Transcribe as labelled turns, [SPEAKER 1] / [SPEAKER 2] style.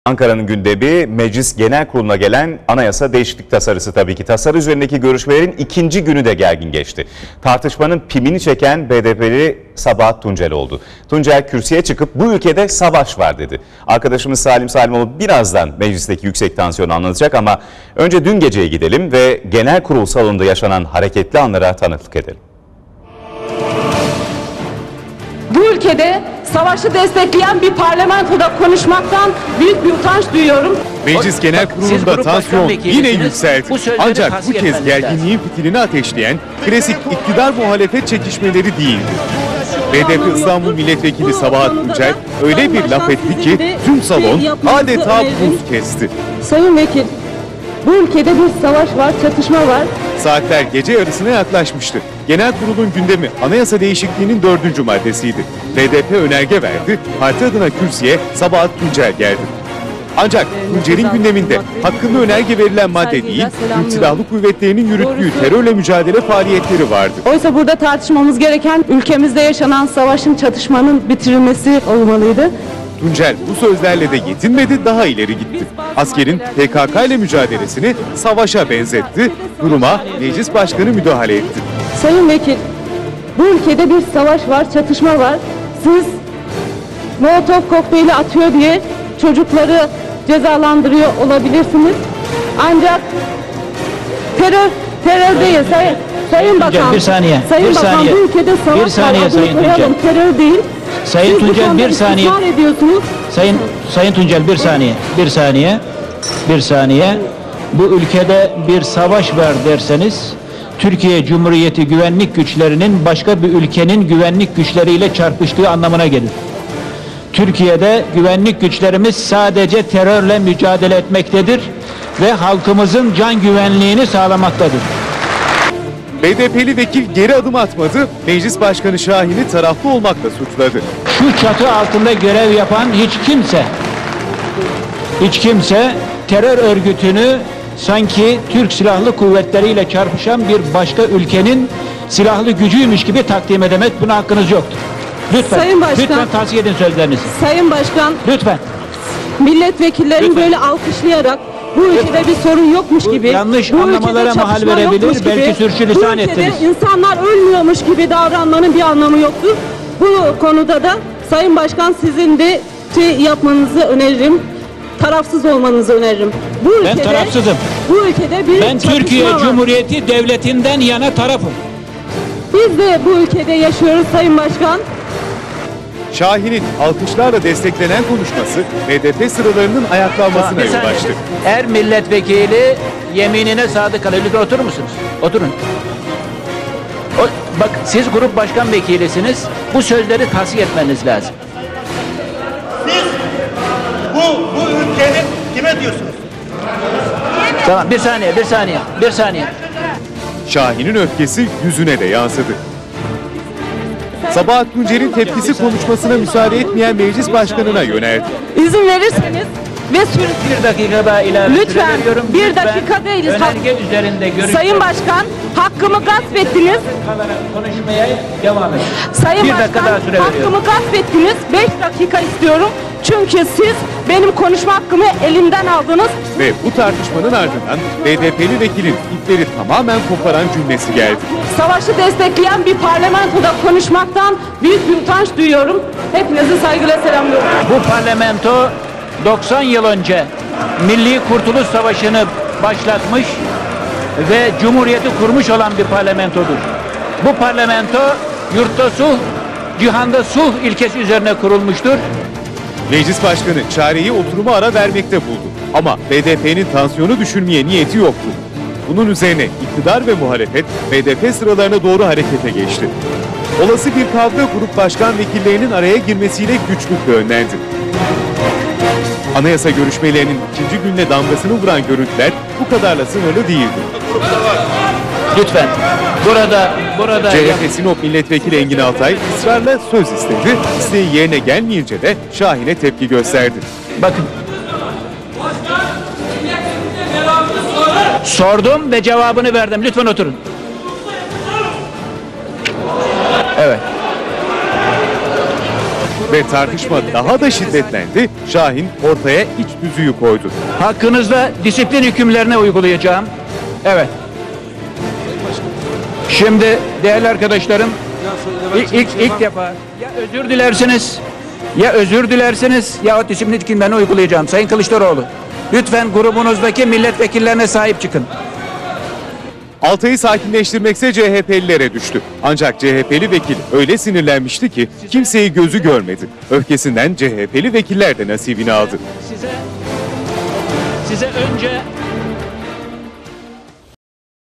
[SPEAKER 1] Ankara'nın gündemi Meclis Genel Kurulu'na gelen anayasa değişiklik tasarısı tabii ki. Tasarı üzerindeki görüşmelerin ikinci günü de gergin geçti. Tartışmanın pimini çeken BDP'li Sabahat Tuncel oldu. Tuncel kürsüye çıkıp bu ülkede savaş var dedi. Arkadaşımız Salim Salimoğlu birazdan meclisteki yüksek tansiyonu anlatacak ama önce dün geceye gidelim ve genel kurul salonunda yaşanan hareketli anlara tanıklık edelim.
[SPEAKER 2] Bu ülkede savaşı destekleyen bir parlamentoda konuşmaktan büyük bir utanç duyuyorum.
[SPEAKER 3] Meclis Genel Kurulu'nda tansiyon yine yükseldi. Ancak bu kez gerginliğin fitilini ateşleyen klasik iktidar muhalefet çekişmeleri değildi. BDP İstanbul Milletvekili Sabahat Tuncel öyle bir laf etti ki tüm salon adeta buz kesti.
[SPEAKER 2] Sayın Vekil, bu ülkede bir savaş var, çatışma var.
[SPEAKER 3] Saatler gece yarısına yaklaşmıştı. Genel kurulun gündemi anayasa değişikliğinin 4. maddesiydi. BDP önerge verdi, parti adına kürsüye Sabahat Tuncel geldi. Ancak Tuncel'in gündeminde hakkında önerge verilen madde değil, Türk Silahlı Kuvvetleri'nin yürüttüğü terörle mücadele faaliyetleri vardı.
[SPEAKER 2] Oysa burada tartışmamız gereken ülkemizde yaşanan savaşın, çatışmanın bitirilmesi olmalıydı.
[SPEAKER 3] Tuncel bu sözlerle de yetinmedi, daha ileri gitti. Askerin PKK ile mücadelesini savaşa benzetti, duruma meclis başkanı müdahale etti.
[SPEAKER 2] Sayın Vekil, bu ülkede bir savaş var, çatışma var. Siz Molotov kokteyli atıyor diye çocukları cezalandırıyor olabilirsiniz. Ancak terör değil. Sayın Bakan,
[SPEAKER 4] bir saniye.
[SPEAKER 2] Sayın
[SPEAKER 4] Bir
[SPEAKER 2] Bakan,
[SPEAKER 4] saniye.
[SPEAKER 2] bu ülkede savaş
[SPEAKER 4] Bir saniye
[SPEAKER 2] var.
[SPEAKER 4] Sayın Tuncel.
[SPEAKER 2] Terör değil.
[SPEAKER 4] Sayın
[SPEAKER 2] Siz bu
[SPEAKER 4] Tuncel
[SPEAKER 2] konuda
[SPEAKER 4] bir saniye.
[SPEAKER 2] ısrar ediyorsunuz.
[SPEAKER 4] Sayın Tuncel bir saniye. Bu ülkede bir savaş var derseniz Türkiye Cumhuriyeti güvenlik güçlerinin başka bir ülkenin güvenlik güçleriyle çarpıştığı anlamına gelir. Türkiye'de güvenlik güçlerimiz sadece terörle mücadele etmektedir ve halkımızın can güvenliğini sağlamaktadır.
[SPEAKER 3] BDP'li vekil geri adım atmadı, Meclis Başkanı Şahin'i taraflı olmakla suçladı.
[SPEAKER 4] Şu çatı altında görev yapan hiç kimse terör örgütünü sanki Türk Silahlı Kuvvetleri ile çarpışan bir başka ülkenin silahlı gücüymüş gibi takdim edemez. Buna hakkınız yoktur. Lütfen,
[SPEAKER 2] Sayın Başkan,
[SPEAKER 4] lütfen tavsiye edin sözlerinizi.
[SPEAKER 2] Sayın Başkan,
[SPEAKER 4] Lütfen.
[SPEAKER 2] milletvekillerini
[SPEAKER 4] Lütfen.
[SPEAKER 2] böyle alkışlayarak bu ülkede bir sorun yokmuş gibi,
[SPEAKER 4] yanlış
[SPEAKER 2] bu ülkede
[SPEAKER 4] anlamalara mahal
[SPEAKER 2] çatışma
[SPEAKER 4] verebilir,
[SPEAKER 2] yokmuş
[SPEAKER 4] belki
[SPEAKER 2] gibi,
[SPEAKER 4] sürçülisan
[SPEAKER 2] bu ülkede
[SPEAKER 4] ettiniz.
[SPEAKER 2] insanlar ölmüyormuş gibi davranmanın bir anlamı yoktur. Bu konuda da Sayın Başkan sizin de yapmanızı öneririm. Tarafsız olmanızı öneririm.
[SPEAKER 4] Ben tarafsızım.
[SPEAKER 2] Bu ülkede bir
[SPEAKER 4] Ben
[SPEAKER 2] çatışma
[SPEAKER 4] Türkiye
[SPEAKER 2] var.
[SPEAKER 4] Cumhuriyeti Devleti'nden yana tarafım.
[SPEAKER 2] Biz de bu ülkede yaşıyoruz Sayın Başkan.
[SPEAKER 3] Şahin'in alkışlarla desteklenen konuşması BDP sıralarının ayaklanmasına
[SPEAKER 4] Bir
[SPEAKER 3] yol
[SPEAKER 4] saniye.
[SPEAKER 3] açtı.
[SPEAKER 4] Her milletvekili yeminine sadık kalır. Lütfen oturur musunuz? Oturun. Bak siz grup başkan vekilisiniz. Bu sözleri tasdik etmeniz lazım.
[SPEAKER 5] Siz bu ülkenin kime diyorsunuz?
[SPEAKER 4] Tamam bir saniye.
[SPEAKER 3] Şahin'in öfkesi yüzüne de yansıdı. Sabahat Tuncel'in tepkisi konuşmasına müsaade etmeyen meclis başkanına yöneldi.
[SPEAKER 2] İzin verirseniz ve
[SPEAKER 4] Bir dakika daha ilave
[SPEAKER 2] Lütfen,
[SPEAKER 4] süre veriyorum.
[SPEAKER 2] bir
[SPEAKER 4] Lütfen
[SPEAKER 2] dakika değiliz.
[SPEAKER 4] Önerge üzerinde görüşmek
[SPEAKER 2] Sayın Başkan, hakkımı gasp ettiniz.
[SPEAKER 4] kalarak konuşmaya devam edin.
[SPEAKER 2] Sayın
[SPEAKER 4] Bir dakika
[SPEAKER 2] Başkan,
[SPEAKER 4] daha süre veriyorum.
[SPEAKER 2] hakkımı gasp ettiniz. 5 dakika istiyorum. Çünkü siz benim konuşma hakkımı elimden aldınız.
[SPEAKER 3] Ve bu tartışmanın ardından BDP'li vekilin ipleri tamamen koparan cümlesi geldi.
[SPEAKER 2] Savaşı destekleyen bir parlamentoda konuşmaktan büyük bir utanç duyuyorum. Hepinizi saygıyla selamlıyorum.
[SPEAKER 4] Bu parlamento 90 yıl önce Milli Kurtuluş Savaşı'nı başlatmış ve Cumhuriyeti kurmuş olan bir parlamentodur. Bu parlamento yurtta sulh, cihanda sulh ilkesi üzerine kurulmuştur.
[SPEAKER 3] Meclis başkanı çareyi oturuma ara vermekte buldu. Ama BDP'nin tansiyonu düşürmeye niyeti yoktu. Bunun üzerine iktidar ve muhalefet BDP sıralarına doğru harekete geçti. Olası bir kavga grup başkan vekillerinin araya girmesiyle güçlükle önlendi. Anayasa görüşmelerinin ikinci gününe damgasını vuran görüntüler bu kadarla sınırlı değildi.
[SPEAKER 4] Lütfen. Burada
[SPEAKER 3] CHP Sinop Milletvekili Engin Altay ısrarla söz istedi. İsteği yerine gelmeyince de Şahin'e tepki gösterdi.
[SPEAKER 4] bakın. Sordum ve cevabını verdim. Lütfen oturun. Evet.
[SPEAKER 3] Ve tartışma daha da şiddetlendi. Şahin ortaya iç tüzüğü koydu.
[SPEAKER 4] Hakkınızda disiplin hükümlerini uygulayacağım. Evet. Şimdi değerli arkadaşlarım, ilk defa ya özür dilersiniz ya o disiplin hükümlerini uygulayacağım. Sayın Kılıçdaroğlu, lütfen grubunuzdaki milletvekillerine sahip çıkın.
[SPEAKER 3] Altay'ı sakinleştirmekse CHP'lilere düştü. Ancak CHP'li vekil öyle sinirlenmişti ki kimseyi gözü görmedi. Öfkesinden CHP'li vekiller de nasibini aldı.
[SPEAKER 4] Size önce